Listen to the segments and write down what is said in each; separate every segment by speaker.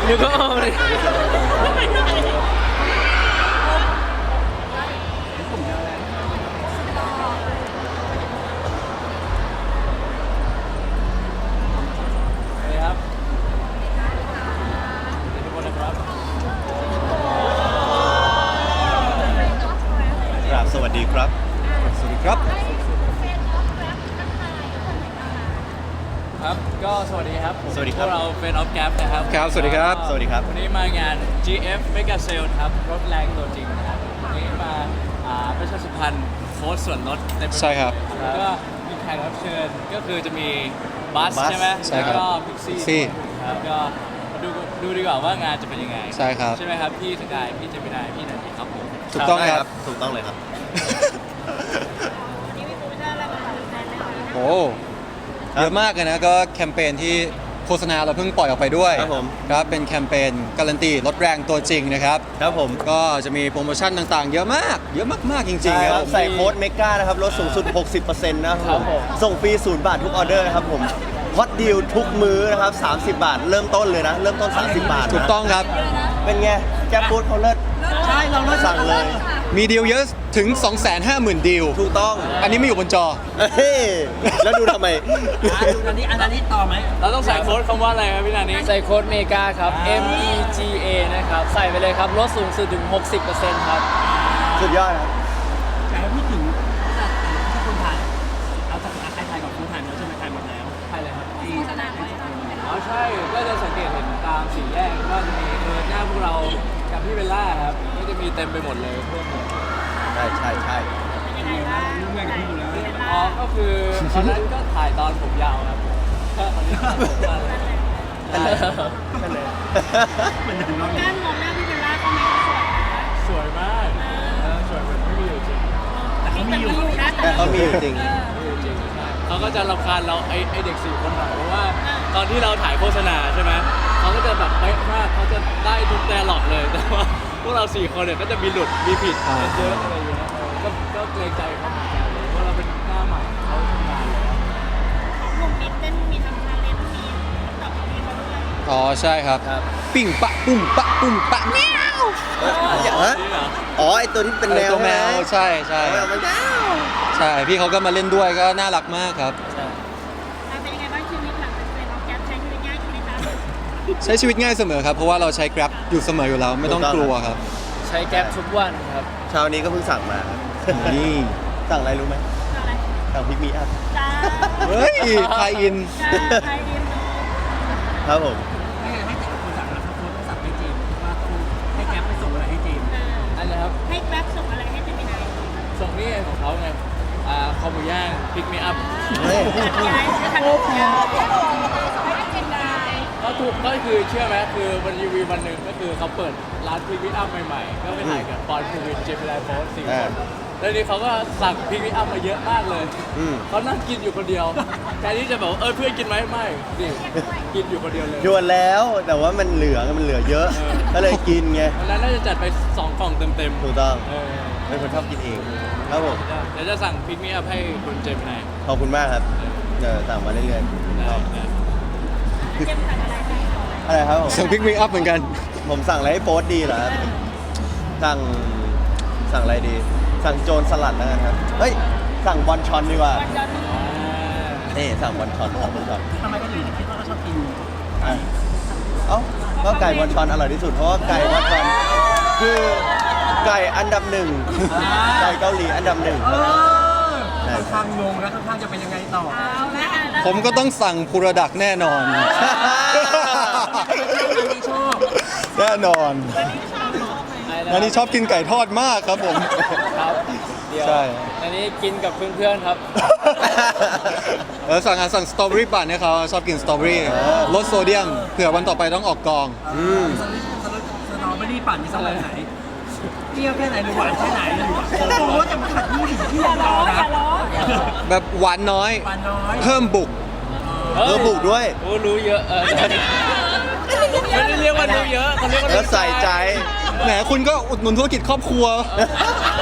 Speaker 1: นึกก็อ้อมเลยครับทุกคนนะครับ
Speaker 2: ครับสวัสดีครับสวัสดีครับ
Speaker 1: ครับก็สวัสดีครับผม
Speaker 2: สวัสดีค
Speaker 1: พ
Speaker 2: รับ
Speaker 1: วกเราเป็นออฟแกปนะครับ
Speaker 2: ครับสวัสดีครับ
Speaker 1: ก็
Speaker 2: สวัสดีครับ
Speaker 1: วันนี้มางาน GF Mega Sale ครับรถแรงตัวจริงนะครับวันนี้มาประชาสัมพันธ์โค้ดส่วนลดเต็มไปหมด
Speaker 2: ใช่ครับ
Speaker 1: แล้วก็มีแขกรับเชิญก็คือจะมีบัส
Speaker 2: บัส
Speaker 1: ใช่ไหม
Speaker 2: ใช่ครับ
Speaker 1: แล้วก็พิกซี่ครับก็มาดูดีกว่าว่างานจะเป็นยังไง
Speaker 2: ใช่ครับ
Speaker 1: ใช่ไหมครับพี่สกายพี่เจมินายพี่นันทีครับผม
Speaker 2: ถูกต้องครับถูกต้องเลยครับ
Speaker 3: วันนี้มีโปรโมชั่นอะไรมาฝากแฟนไหมคะ
Speaker 4: โอ้เยอะมากเลยนะก็แคมเปญที่โฆษณาเราเพิ่งปล่อยออกไปด้วย
Speaker 2: ครับผม
Speaker 4: ครับเป็นแคมเปญการันตีรถแรงตัวจริงนะครับ
Speaker 2: ครับผม
Speaker 4: ก็จะมีโปรโมชั่นต่างๆ เยอะมาก เยอะมากๆจริง
Speaker 2: ใช่
Speaker 4: ๆ
Speaker 2: ค
Speaker 4: ค
Speaker 2: รั
Speaker 4: รั
Speaker 2: บบ ใส่โค้ดเมกานะครับลดสูงสุด 60%นะครับผมส่งฟรี0 บาททุกออเดอร์นะครับผมฮอตดีลทุกมื้อนะครับ30 บาท เริ่มต้นเลยนะ เริ่มต้น 30 บาทนะ
Speaker 4: ถูกต้องครับ
Speaker 2: เป็นไงแกฟู้ดเขาเลิศ
Speaker 3: ใช่เราเลิศ
Speaker 2: สั่งเลย
Speaker 4: มีดีลเยอะถึง 250,000 ดีล
Speaker 2: ถูกต้อง
Speaker 4: อันนี้ไม่อยู่บนจอ
Speaker 2: เฮ้ยแล้วดูทำไม
Speaker 3: อันนี้ต่อไหม
Speaker 1: เราต้องใส่โค้ดคำว่าอะไรครับพี่นันนี้
Speaker 5: ใส่โค้ดเมกาครับ MEGA นะครับ ใส่ไปเลยครับ ลดสูงสุดถึง 60%ครับ
Speaker 2: สุดยอดครับ
Speaker 3: แต่พูดถึงที่คุณถ่ายเอาจากใครถ่ายกับคุณถ่ายแล้วใช่ไหมถ่ายหมดแล้ว
Speaker 1: ใช่เลยครับ
Speaker 3: โฆษณาไว้
Speaker 1: อ๋อใช่ ก็จะสังเกตเห็นตามสี่แยกก็จะมีหน้าพวกเรากับพี่เบลล่าครับ ก็จะมีเต็มไปหมดเลยเพื่อนหมด
Speaker 2: ใช่ใช่ใช่
Speaker 3: ยังไงบ้างร่วมงานกับพี่อยู่แล้ว
Speaker 1: อ๋อ ก็คือตอนนั้นก็ถ่ายตอนผมยาวครับก็ตอนนี้ผมสั้นเลยใช่
Speaker 2: นั่นเลย
Speaker 3: การมองหน้าพี่เบลล่าก็ไม่สวยนะ
Speaker 1: สวยมากสวยเหมือนไม่มีอยู่จริง
Speaker 3: แต่เขามีอยู่นะ
Speaker 2: แต่เขามีอยู่จริง
Speaker 1: ไม่มีอยู่จริงใช่เขาก็จะรำคาญเราไอเด็กสี่คนหน่อยเพราะว่าตอนที่เราถ่ายโฆษณาใช่ไหมเขาก็จะแบบเป๊ะมากเขาจะได้ทุกแดร์ล็อกเลย แต่ว่าพวกเราสี่คนเนี่ยก็จะมีหลุดมีผิดเยอะอะไรอย่างเงี้ยก็เกรงใจเขาเหมือนกันเลยเพราะเราเป็นหน้าใหม่เขาทำงานแล้ว
Speaker 3: หนุ่มมีเต้นมีทำทาเลนต์มีตอบมีเขาด้วย
Speaker 4: อ๋อใช่ครับ ปิ้งปะปุ้มปะปุ้มปะแมว
Speaker 2: ฮะ
Speaker 1: นี่เหรอ
Speaker 2: อ๋อไอตัวที่เป็นแมว
Speaker 4: ตัวแมวใช่ใช่
Speaker 2: มันแมว
Speaker 4: ใช่พี่เขาก็มาเล่นด้วยก็น่ารักมากครับ
Speaker 3: เป็นยังไงบ้างชีวิตหลังจากเป็นน้องแก๊ปใช้ชีวิตง่ายขึ้นไหมคะ
Speaker 4: ใช้ชีวิตง่ายเสมอครับ เพราะว่าเราใช้ Grab อยู่เสมออยู่แล้ว ไม่ต้องกลัวครับ
Speaker 5: ใช้แก๊ปทุกวันครับ
Speaker 2: เช้านี้ก็เพิ่งสั่งมาครับ
Speaker 4: นี่
Speaker 2: สั่งอะไรรู้ไหม
Speaker 3: อะไร
Speaker 2: สั่งพิกมีอัพ
Speaker 3: จ้า
Speaker 4: เฮ้ยไทยอิน
Speaker 3: จ้าไทยอิน
Speaker 2: ครับผม
Speaker 3: ไม่งั้นให้แต่คนสั่งแล้วเขาโพสต์ต้องสั่งให้เจมส์ว่าต้องให้แก๊ปไปส่งอะไรให้เจมส์
Speaker 1: อันนี้ครับ
Speaker 3: ให้แก๊ปส่งอะไรให้เจมินาย
Speaker 1: ส่งนี่ไงของเขาไงคอหมูย่างพิกมีอัพ
Speaker 2: เฮ้ย
Speaker 3: ย้ายทางโลกยาวให้เจมินาย
Speaker 1: ก็ถูกก็คือเชื่อไหมคือวันรีวิววันหนึ่งก็คือเขาเปิดร้านพิกมีอัพใหม่ๆ ก็ไปถ่ายกับปอนภูวินเจมิไลโพสสี่คนแล้วนี่เขาก็สั่งพิกมีอัพมาเยอะมากเลย
Speaker 2: อืม
Speaker 1: เขานั่งกินอยู่คนเดียวแทนที่จะแบบว่าเพื่อนกินไหมไม่ดิกินอยู่คนเดียวเลย
Speaker 2: ชวนแล้วแต่ว่ามันเหลือเยอะ ก็เลยกินไง
Speaker 1: วันนั้นน่าจะจัดไป2 กล่องเต็มๆ
Speaker 2: ถูกต้อง
Speaker 1: เออ
Speaker 2: เป็นคนชอบกินเอง ครับผม
Speaker 1: เดี๋ยวจะสั่งพิกมีอัพให้คุณเจมินาย
Speaker 2: ขอบคุณมากครับเดี๋ยวสั่งมาเรื่อยๆครับ
Speaker 3: เจมส์สั่งอะไรให้
Speaker 2: อะไรครับผม
Speaker 4: สั่งพิกมีอัพเหมือนกัน
Speaker 2: ผมสั่งอะไรให้โป๊ตดีเหรอครับสั่งอะไรดี สั่งโจรสลัดแล้วกันครับเฮ้ยสั่งบอลชอนดีกว่า
Speaker 3: วันจันทร์
Speaker 2: นี่สั่งบอลชอนสั่งบอลชอน
Speaker 3: ทำไมก็ถึงคิดว่าเขาชอบกิน
Speaker 2: อ่ะเอ้าก็ไก่บอลชอนอร่อยที่สุดเพราะว่าไก่บอลชอนคือไก่อันดับหนึ่งไก่เกาหลีอันดับหนึ่งครับใช่
Speaker 3: ข้างงงแล้วข้างจะเป็นยังไงต่อเอาละ
Speaker 4: ผมก็ต้องสั่งพูรดักแน่นอน
Speaker 3: ชอบ
Speaker 4: แน่นอนอันนี้ชอบกินไก่ทอดมากครับผม
Speaker 5: ครับเดี๋ยว
Speaker 4: ใช่
Speaker 5: อันนี้กินกับเพื่อนๆครับ
Speaker 4: สั่งสตรอเบอรี่ปั่นให้เขาชอบกินสตรอเบอรี่ลดโซเดียมเผื่อวันต่อไปต้องออกกอง
Speaker 2: อืม
Speaker 3: สตรอเบอรี่ปั่นมีสลัดไหนเปรี้ยวแค่ไหนหรือหวานแค่ไหนโอ้จะมาขัดที่เรานะ
Speaker 4: แบบหวานน้อย
Speaker 3: หวานน้อย
Speaker 4: เพิ่มบุก
Speaker 2: บุกด้วย
Speaker 1: โอ้รู้เยอะไม่ได้เรียกว่ารู้เยอะเขาเรียกว่า
Speaker 2: แล้วใส่ใจ
Speaker 4: แหมคุณก็อุดหนุนธุรกิจครอบครัว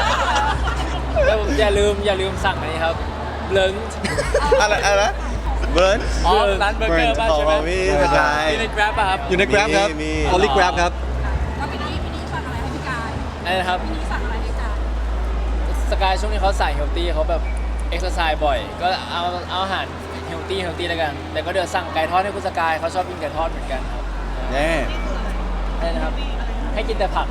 Speaker 5: แล้วอย่าลืมสั่งอันนี้ครับเลิง
Speaker 2: อะไรนะเบิร์น
Speaker 1: อ๋อร้านเบอร์เกอร์ป่ะ
Speaker 2: ของ
Speaker 1: ใช่ไหม
Speaker 2: พี่สกาย
Speaker 1: มีใน Grab ป่ะครับ
Speaker 4: อยู่ใน Grab ครับ
Speaker 2: มี
Speaker 4: Only Grab ครับ
Speaker 6: แล้วพี่นี่สั่งอะไรให้พี่กาย
Speaker 5: อะไรนะครับ
Speaker 6: พี่นี่สั่งอะไรให้กาย
Speaker 5: สกายช่วงนี้เขาใส่เฮลตี้เขาแบบเอ็กซ์ไซส์บ่อย ก็เอาอาหารเฮลตี้แล้วกัน แต่ก็เดี๋ยวสั่งไก่ทอดให้คุณสกายเขาชอบกินไก่ทอดเหมือนกันครับ
Speaker 2: แน่
Speaker 5: อะไรนะครับ ให้กินแต่ผัก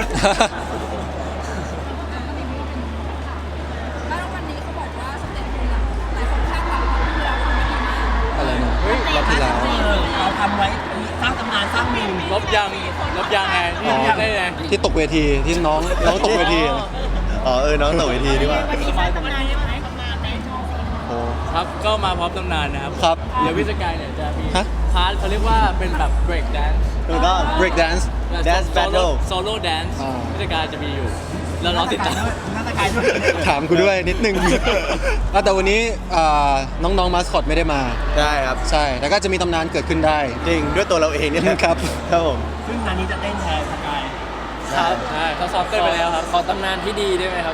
Speaker 6: แล้ววันนี้เขาบอกว่าสเต็ปคุณอะหลายคนคาดหวังว่าคุณเราคุณดีมาก
Speaker 4: อะไรนะรอบที่แล้ว
Speaker 3: เราทำไว้สร้างตำนานสร้างมีม
Speaker 1: ลบยางไงที่
Speaker 4: อ๋อ
Speaker 1: ได้ไง
Speaker 4: ที่ตกเวทีที่น้องตกเวที
Speaker 2: อ๋อน้องตกเวทีดีกว่า
Speaker 6: วันนี้สร้างตำนานได้ไหมตำนานในโชว์
Speaker 4: โอ้
Speaker 1: ครับก็มาพร้อมตำนานนะครับ
Speaker 4: ครับ
Speaker 1: เดี๋ยวพี่สกายเนี่ยจะมี
Speaker 4: ฮะ
Speaker 1: พาร์ทเขาเรียกว่าเป็นแบบ break dance
Speaker 2: ถูกต้อง
Speaker 4: break dance
Speaker 2: Dance battle
Speaker 1: solo dance
Speaker 4: อ่า
Speaker 1: พี่สกายจะมีอยู่ แล้วเราติดตาม
Speaker 3: หน้าตะกายด้วย
Speaker 4: ถามกูด้วยนิดนึง แต่วันนี้น้องๆมาสคอตไม่ได้มา
Speaker 2: ใช่ครับ
Speaker 4: ใช่ แต่ก็จะมีตำนานเกิดขึ้นได้
Speaker 2: จริงด้วยตัวเราเองเนี่ย
Speaker 4: ครับ
Speaker 2: ครับผม
Speaker 3: ซึ่งงานนี้จะเต้นแทนสกาย
Speaker 1: ครับใช่เขาซ้อมเต้นไปแล้วครับ
Speaker 5: ขอตำนานที่ดีได้ไหมครับ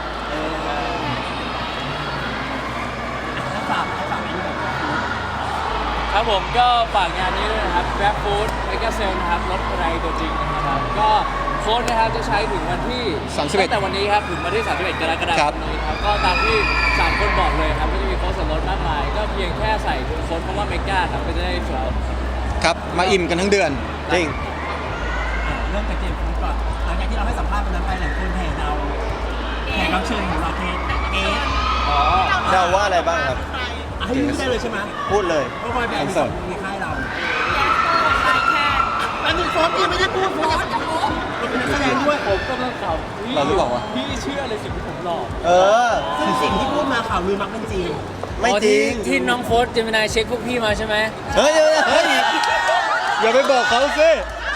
Speaker 3: ให้ฝากอันนี้แบบ
Speaker 1: ครับผมก็ฝากงานนี้ด้วยนะครับ Grab Food Mega Sale นะครับรถอะไรตัวจริงนะครับ ก็โค้ดนะครับจะใช้ถึงวันที่
Speaker 4: 31
Speaker 1: ตั้งแต่วันนี้ครับถึงวันที่ 31 กรกฎา
Speaker 4: ค
Speaker 1: ค
Speaker 4: รั
Speaker 1: ม
Speaker 4: บ
Speaker 1: นี้ครับก็ตามที่ 3 คนบอกเลยครับก็จะมีโค้ดส่วนลดมากมาย ก็เพียงแค่ใส่โค้ดคำว่า Mega ครับก็จะได้ส่วนลด
Speaker 4: ครับ มาอิ่มกันทั้งเดือน
Speaker 2: จริง
Speaker 3: เริ่มจากเจมส์ฟูดก่อนหลังจากที่เราให้สัมภาษณ์วันนั้นไปหลายคนแห่เราแขกรับเชิญของเราเกส
Speaker 1: อ๋อ
Speaker 2: เดาว่าอะไรบ้างครับ
Speaker 3: ให้พูดได้เลยใช่ไหม
Speaker 2: พูดเลย
Speaker 3: เพราะว่าเป็นอันสองในค่ายเรา
Speaker 6: แล้วมีโค้ดยังไม่ได้พูดโค้ดจะพูด
Speaker 3: เราเป็นนักแสดงด้วย
Speaker 1: ผมกำลังข่าว
Speaker 4: เราหรือเปล่าวะ
Speaker 1: พี่เชื่อเลยสิ่งที่ผมหลอก
Speaker 2: เออ
Speaker 3: ซึ่งสิ่งที่พูดมาข่าวลือมักเป็นจริง
Speaker 2: ไม่จริง
Speaker 5: ที่น้องโค้ดเจมินายเช็คพวกพี่มาใช่ไหม
Speaker 2: เฮ้ยเฮ้ย
Speaker 4: อย่าไปบอกเขาสิ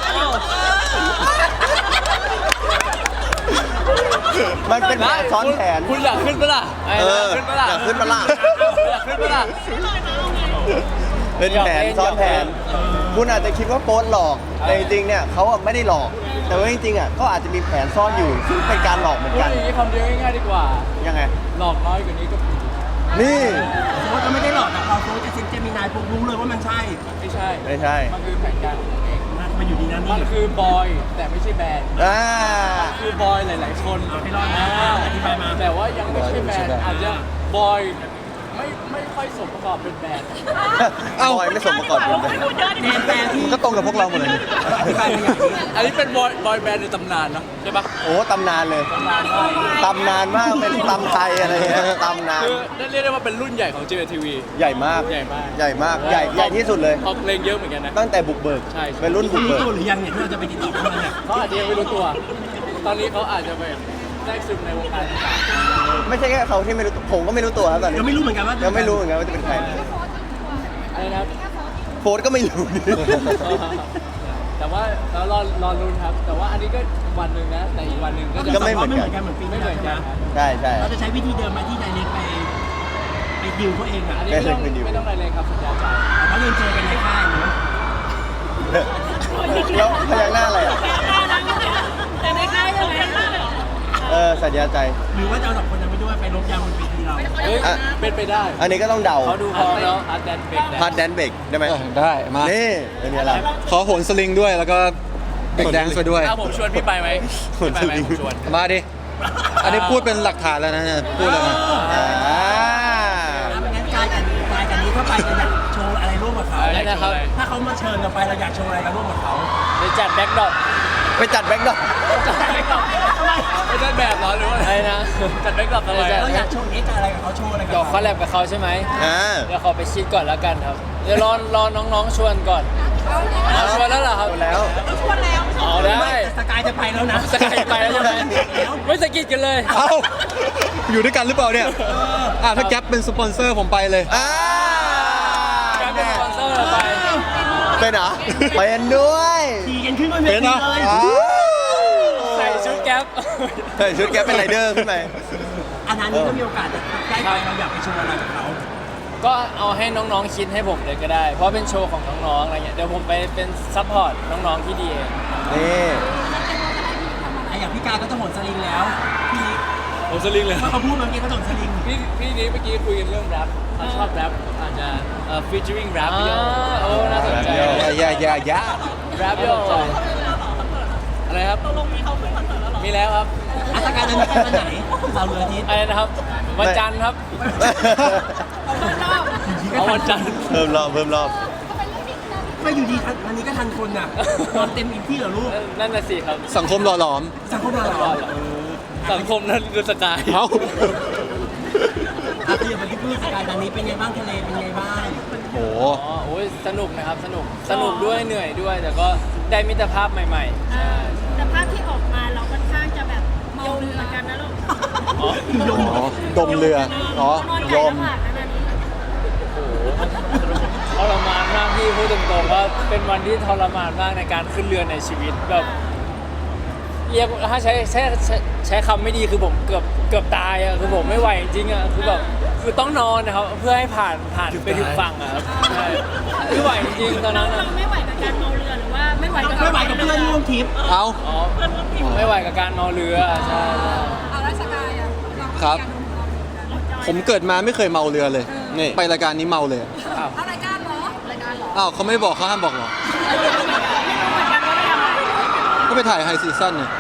Speaker 2: มันเป็นแผนซ้อนแผน
Speaker 1: คุณอยากขึ้นปะล่ะ
Speaker 2: เออ
Speaker 1: ขึ้นปะล่ะ
Speaker 2: อยากขึ้นปะล่ะ
Speaker 1: อยากขึ้นปะล่ะ
Speaker 2: เป็นแผนซ้อนแผน คุณอาจจะคิดว่าโป๊ตหลอก แต่จริงๆ เนี่ยเขาอะไม่ได้หลอก แต่ว่าจริงๆอะก็อาจจะมีแผนซ่อนอยู่ ซึ่งเป็นการหลอกเหมือน
Speaker 1: พูด
Speaker 2: กัน
Speaker 1: อย่างนี้คำเดียวง่ายๆดีกว่า
Speaker 2: ยังไง
Speaker 1: หลอกน้อยกว่านี้ก็ผิด
Speaker 2: นี่
Speaker 3: โค้ชก็ไม่ได้หลอกแต่พอโค้ชจะเซ็นเจมินายปุ๊บรู้เลยว่ามันใช่
Speaker 1: ไม่ใช่
Speaker 2: ไม่ใช่
Speaker 1: มันคือแผนการของผมเอง
Speaker 3: มันอยู่ดีนะ
Speaker 1: มั
Speaker 3: นี่
Speaker 1: นคือบอยแต่ไม่ใช่แบนด์
Speaker 2: อ่า
Speaker 1: คือบอยหลายๆคน
Speaker 3: เอาให้รอดนะอธิบายมา
Speaker 1: แต่ว่ายังไม่ใช่แบนด์
Speaker 4: บอยไม่ใช่แบนด์
Speaker 1: อาจจะบอยไม่ค่อยสมประกอบเป็นแบนด์
Speaker 4: เอ้า
Speaker 2: บอยไม่สมประกอบเป็นแบบ
Speaker 3: แนมแปลที่
Speaker 4: ก็ตรงกับพวกเราหมดเลยนี่
Speaker 3: อธิบายมาอย่างนี้
Speaker 1: อันนี้เป็นบอยแบนด์ในตำนานเนาะใช่ปะ
Speaker 2: โอ้ตำนานเลย
Speaker 1: ตำนานมาก
Speaker 2: ตำนานมาก เป็นตำไทยอะไรเงี้ยตำนาน
Speaker 1: คือนั่นเรียกได้ว่าเป็นรุ่นใหญ่ของ JTV
Speaker 2: ใหญ่มาก
Speaker 1: ใหญ่มาก
Speaker 2: ใหญ่มาก ใหญ่ที่สุดเลย
Speaker 1: ออกเพลงเยอะเหมือนกันนะ
Speaker 2: ตั้งแต่บุกเบิก
Speaker 1: ใช่
Speaker 2: เป็นรุ่นบุ
Speaker 3: คุ
Speaker 2: ก
Speaker 3: ณรู้
Speaker 2: เบิก
Speaker 3: ตัวหรือยังเนี่ยที่เราจะไปติดต่อเขาเนี่ย
Speaker 1: เขาอาจจะยังไม่รู้ตัว ตอนนี้เขาอาจจะแบบแทรกซึมในวงการต่าง
Speaker 2: ไม่ใช่แค่เขาที่ไม่รู้ตัวผมก็ไม่รู้ตัวครับตอนนี้
Speaker 3: ยังไม่รู้เหมือนกันว่า
Speaker 2: ยังไม่รู้เหมือนกันว่าจะเป็นใคร
Speaker 1: ๆอะไรนะครับ
Speaker 2: โฟร์ก็ไม่รู้
Speaker 1: แต่ว่าเรารอลุ้นครับ แต่ว่าอันนี้ก็วันหนึ่งนะ แต่อีกวันหนึ่งก็จะ
Speaker 2: ก็ไม่เหมือนกัน
Speaker 3: เหมือนปี
Speaker 1: ไม่
Speaker 3: ที่
Speaker 1: เห
Speaker 3: แล้ว
Speaker 1: มือน
Speaker 3: ใช่ไหม
Speaker 1: กันครับ
Speaker 2: ใช่ใช่
Speaker 3: เราจะใช้วิธีเดิมไหมที่ไดเรกไปดิวเขาเองอ่ะ
Speaker 1: อันนี้ไม่ต้องอะไรเลยครับสัญญาใจ
Speaker 3: เขาเรียนเจอกันในค่ายเนาะ
Speaker 2: แล้วพยักหน้าอะไรอ่ะ
Speaker 6: แต่ในค่ายยังไง
Speaker 2: สัญญาใจ
Speaker 3: หรือว่าจะเอาสองคนนั้นไปด้วยไปลบยางบนเวทีเรา
Speaker 1: เฮ้ย
Speaker 2: อ่ะ
Speaker 1: เป็นไปได้
Speaker 2: อันนี้ก็ต้องเดา
Speaker 1: เขาดูพร้อมแล้วอาร์ตแดนเบรกแด
Speaker 2: พาร์ทแดนเบรกได้ไหม
Speaker 4: ได้มา
Speaker 2: นี่เป็นไงล่ะ
Speaker 4: ขอโหนสลิงด้วยแล้วก็เบรกแดนซ์ไปด้วย
Speaker 1: ถ้าผมชวนพี่ไปไหมพี่ไปไหมผมชวน
Speaker 4: มาดิ อันนี้พูดเป็นหลักฐานแล้วนะเนี่ยพูดแล้วนะ
Speaker 2: อ่า
Speaker 3: ไม่งั้นกายกันนี้ถ้าไปจะอยากโชว์อะไรร่วมกับเขา
Speaker 1: อะไรนะครับ
Speaker 3: ถ้าเขามาเชิญเราไปเราอยากโชว์อะไรกันร่วมกับเขา
Speaker 5: ไปจัดแบ็คดรอป
Speaker 2: ไปจัดแบ็คดรอป
Speaker 1: ไม่ได้แบบเหรอหรือว่า
Speaker 5: อะไรนะ
Speaker 1: จัดแบ็กกลับทำไม
Speaker 3: เราอยากโชว์เอ็กอะไรกับเขาโชว์อะไรกับ
Speaker 5: เดี๋ยว
Speaker 3: เขา
Speaker 5: คอลแลบกับเขาใช่ไหม
Speaker 2: อ่า
Speaker 5: เดี๋ยวขอไปคิดก่อนแล้วกันครับ เดี๋ยวรอน้องๆชวนก่อนเอาชวนแล้วเหรอครับ
Speaker 2: แล้ว
Speaker 6: ชวนแล้ว
Speaker 5: เอาได้
Speaker 3: สกายจะไปแล้วนะ
Speaker 5: สกายไปแล้วใช่ไหมไม่สะกิดกันเลย
Speaker 4: เอ้า อยู่ด้วยกันหรือเปล่าเนี่ยถ้าแก๊ปเป็นสปอนเซอร์ผมไปเลย
Speaker 2: อ่า
Speaker 5: แกเป็นสปอนเซอร์เราไป
Speaker 2: เป็นเหรอเป็นด้วย
Speaker 3: ขี่กันขึ้นบนเว
Speaker 4: เป็น
Speaker 3: ที
Speaker 4: นะ
Speaker 3: เลย
Speaker 2: อ้าว
Speaker 5: ใส่ชุดแก๊ป
Speaker 2: ใส่ชุดแกเป็นไรเดอร์ขึ้นไป
Speaker 3: อันนั้นนี่ก็มีโอกาสใกล้ไปเราอยากไปโชว์อะไรกับเขา
Speaker 5: ก็เอาให้น้องๆคิดให้ผมเลยก็ได้ เพราะเป็นโชว์ของน้องๆอะไรเงี้ย เดี๋ยวผมไปเป็นซัพพอร์ตน้องๆที่ดีเอง
Speaker 2: นี่
Speaker 3: อย่างพี่กายก็จะโหนสลิงแล้วพี่นิก
Speaker 1: โอ้สลิงเลย
Speaker 3: เพราะเขาพูดเมื่อกี้เขาโดนสลิง
Speaker 1: พี่นี้เมื่อกี้คุยกันเรื่องแรปเขาชอบแรปอาจจะfeaturing rap
Speaker 5: อ่า
Speaker 1: เยอะ
Speaker 5: โอ้น่าสนใจ
Speaker 4: อย่า
Speaker 1: rap เยอะอะไรครับตกลงมีเขาขึ้นคอนเสิร์ตแล้วหรอมีแล้วครับ
Speaker 3: อาสกายนั้นไปวันไหนเราเหลืออาทิตย์
Speaker 5: อะไรนะครับวันจันทร์ครับ
Speaker 1: เอาวันจันทร์
Speaker 2: เพิ่มรอบ
Speaker 3: ไม่อยู่ดีวันนี้ก็ทันคนน่ะนอนเต็มอิ่มที่เหรอลูก
Speaker 5: นั่นน่ะสิครับ
Speaker 4: สังคมหล่อหลอม
Speaker 3: สังคมเราเหรอ
Speaker 1: สังคมนั้นคือสกาย
Speaker 4: เอ้า
Speaker 3: อาเทียบไปที่พูดสกายตอนนี้เป็นไงบ้างทะเลเป็นไงบ้าง
Speaker 4: โห
Speaker 5: อ๋อโอ้ยสนุกนะครับสนุกด้วยเหนื่อยด้วย แต่ก็ได้มิตรภาพใหม่ๆใช่
Speaker 6: แต่ภาพที่ออกมาเราค่อนข้างจะแบบเมาเรือกันนะลูก
Speaker 5: อ๋อ
Speaker 4: อ๋อ ดมเรือ อ๋อ
Speaker 6: นอน
Speaker 4: ย
Speaker 6: ไก่
Speaker 4: ม
Speaker 6: ลำบากนะนี่
Speaker 5: โอ้โหทรมานมากพี่พูดตรงๆว่าเป็นวันที่ทรมานมากในการขึ้นเรือในชีวิตแบบเรียกถ้าใช้คำไม่ดีคือผมเกือบตายอะคือผมไม่ไหวจริงๆอะคือแบบคือต้องนอนนะครับเพื่อให้ผ่านไปถึงฝั่งอะครับใช่ไม่ไหวจริงๆตอนนั้นอะ
Speaker 6: เราไม่ไหวกับการเมาเรือหรือว่าไม่ไหวกับ
Speaker 3: ไม่ไหวกับเพื่อนร่วมทริป
Speaker 4: เอ้า
Speaker 5: อ๋อไม่ไหวกับการเมาเรือใช่
Speaker 6: เอาแล้วสกายอ่ะเราก็
Speaker 4: ครับ
Speaker 6: มีการ
Speaker 4: ผมเกิดมาไม่เคยเมาเรือเลย นี่ ไปรายการนี้เมาเลย
Speaker 5: อ้าว
Speaker 6: เอารายการเหรอรายการเหรอ
Speaker 4: อ้าวเขาไม่บอกเขาห้ามบอกหรอ
Speaker 6: เหมือนกันว่าได้ทำอะไร
Speaker 4: ก็ไปถ่ายไฮซีซั่นเนี่ย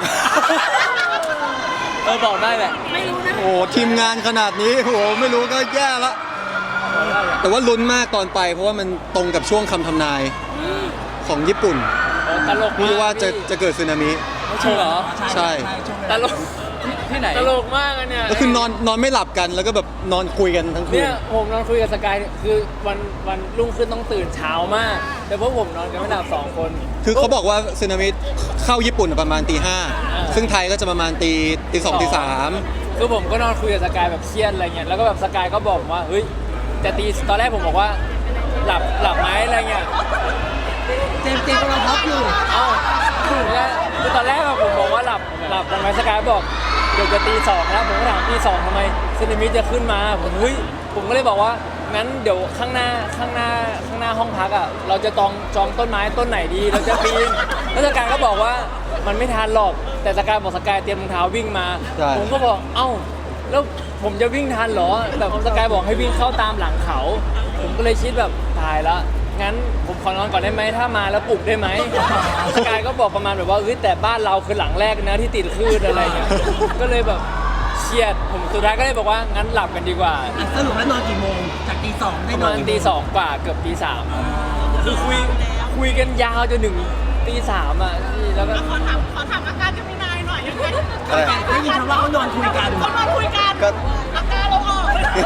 Speaker 1: บอกได้แหละ
Speaker 6: ไม่รู้นะ
Speaker 4: โอ้ทีมงานขนาดนี้โหไม่รู้ก็แย่ละ แต่ว่าลุ้นมากตอนไป เพราะว่ามันตรงกับช่วงคำทำนายของญี่ปุ่น
Speaker 5: ตลกมาก
Speaker 4: ที่ว่าจะ
Speaker 5: พี่
Speaker 4: จะเกิดสึนามิ
Speaker 1: ไม่ใช่เหรอ
Speaker 4: ใช่
Speaker 3: ช่วงเว
Speaker 5: ต
Speaker 3: ลา
Speaker 5: ลก
Speaker 1: ที่ไหน
Speaker 5: ตลกมากอันเนี่ย
Speaker 4: ก็คือนอนไม่หลับกันแล้วก็แบบนอนคุยกันทั้งคื
Speaker 5: เนี่
Speaker 4: น
Speaker 5: ยผมนอนคุยกับสกายคือวันรุ่งขึ้นต้องตื่นเช้ามาก แต่พวกผมนอนกันไม่หลับ2 คน
Speaker 4: คือเขาบอกว่าสึนามิเข้าญี่ปุ่นประมาณตี 5ซึ่งไทยก็จะประมาณตี 2ตี 3
Speaker 5: คือผมก็นอนคุยกับสกายแบบเครียดอะไรเงี้ยแล้วก็แบบสกายก็บอกผมว่าเฮ้ยจะตีตอนแรกผมบอกว่าหลับไหมอะไรเงี้ย
Speaker 3: เจมส์กำลังท็อปอยู่
Speaker 5: เอ้าคือตอนแรกอะผมบอกว่าหลับทำไมสกายบอกเดี๋ยวจะตี 2แล้วผมก็ถามตี 2ทำไมสึนามิจะขึ้นมาผมก็เลยบอกว่างั้นเดี๋ยวข้างหน้าห้องพักอ่ะเราจะจองต้นไม้ต้นไหนดีเราจะปีนแล้วสกายก็บอกว่ามันไม่ทันหรอกแต่สกายบอกสกายเตรียมรองเท้าวิ่งมา
Speaker 4: ใช่
Speaker 5: ผมก็บอกเอ้าแล้วผมจะวิ่งทันเหรอแต่สกายบอกให้วิ่งเข้าตามหลังเขา ผมก็เลยคิดแบบตายละงั้นผมขอนอนก่อนได้ไหมถ้ามาแล้วปลุกได้ไหมสกายก็บอกประมาณแบบว่าเฮ้ยแต่บ้านเราคือหลังแรกนะที่ติดคลื่นอะไรเงี้ยก็เลยแบบเครียดผมสุดท้ายก็เลยบอกว่างั้นหลับกันดีกว่า
Speaker 3: สรุปแล้วนอนกี่โมงจากตี 2ได้
Speaker 5: ประ
Speaker 3: นอ
Speaker 5: มาน ณ
Speaker 3: กี่โมง
Speaker 5: ตี 2 กว่าเกือบตี 3คือคุยกันยาวจนถึงตี 3อ่ะพี่แล้วก็
Speaker 6: ขอถามอาการจะมีนายหน่อยยังไง
Speaker 3: ได้ยินคำว่าเขานอนคุยกัน
Speaker 6: เขามาคุยกัน
Speaker 2: ก็
Speaker 6: อาการเราออก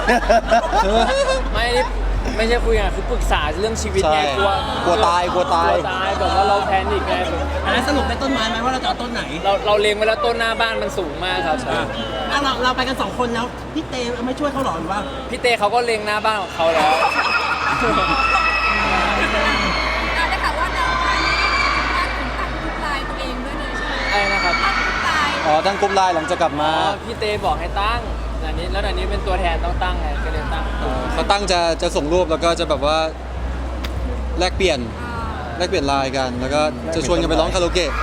Speaker 5: ไม่ใช่คุยกันคือปรึกษาเรื่องชีวิตไง
Speaker 4: ใช่
Speaker 5: กลัว
Speaker 4: ตายกลัวตาย
Speaker 5: แบบว่าเราแพนิคไงแบบ
Speaker 3: อันนั้นสรุปได้ต้นไม้ไหมว่าเราจะเอาต้นไหน
Speaker 5: เราเล็งไว้แล้วต้นหน้าบ้านมันสูงมากครับ
Speaker 3: เราไปกัน2 คนแล้วพี่เตไม่ช่วยเขาหรอหรือว่า
Speaker 5: พี่เต้เขาก็เล็งหน้าบ้านของเขาแล้ว
Speaker 6: ได้ข่าวว่าเราอันนี้ว่าถึงตัดทุกลายตัวเองด้วยเลยใช่ไหม
Speaker 5: อะไรนะครับ
Speaker 6: ตัดทุกลาย
Speaker 4: อ๋อตั้งกลุ่มไลน์หลังจากกลับมา
Speaker 5: พี่เต้บอกให้ตั้งอันนี้แล้วอันนี้เป็นตัวแทนต้องตั้งไงก็เลยตั้ง
Speaker 4: เขาตั้งจะส่งรูปแล้วก็จะแบบว่าแลกเปลี่ยนไลน์กัน แล้วก็จะชวนกันไปร้องคาราโอเกะ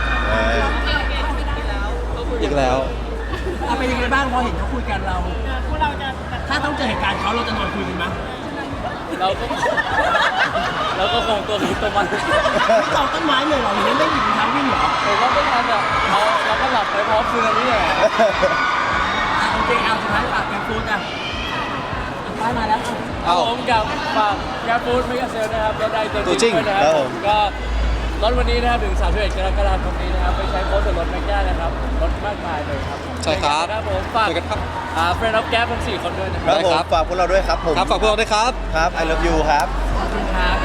Speaker 4: อีกแล้ว
Speaker 3: เอาเป็นยังไงบ้างพอเห็นเขาคุยกันเรา
Speaker 6: พวกเราจะแบบ
Speaker 3: ถ้าต้องเจอเหตุการณ์เขาเราจะนอนคุยกันไหม
Speaker 1: เราก็คงตัวนี้ตัวมัน
Speaker 3: ไม่จองต้นไม้เลยเหรอหรือไม่หยิบรองเท้าวิ่งเหรอ
Speaker 1: ผมว่าไม่ทันอ่ะเราก็หลับไปพร้อมคืนนี้แหละ
Speaker 3: โอเคเอาสุดท้ายฝากแกฟูดอ่ะป้ายมาแล้ว
Speaker 4: เอ้า
Speaker 1: ผมกับฝากแกร็บฟู้ดมิกาเซลนะครับรถได้ตัว
Speaker 4: ตัวจ
Speaker 1: จ
Speaker 4: ริ
Speaker 1: ริ
Speaker 4: ง
Speaker 1: งด้วยนะครับผมก็รถวันนี้นะครับถึง31กรกฎาคมนี้นะครับไปใช้โค้ดส่วนลดแม็กด้านะครับลดมากมายเลยครับ
Speaker 4: ใช่ครับ
Speaker 1: ครับผมฝาก
Speaker 4: เจอกันครับ
Speaker 1: เฟรนด์ออฟแก๊ปทั้ง4 คนด้วยนะค
Speaker 2: ครั
Speaker 1: รั
Speaker 2: บบ ผม
Speaker 4: ครับ
Speaker 2: ฝากพวกเราด้วยครับผม
Speaker 4: ครับฝากพวกเราด้วยครับ
Speaker 2: ครับ I love you ครับ
Speaker 3: ขอบคุณครับ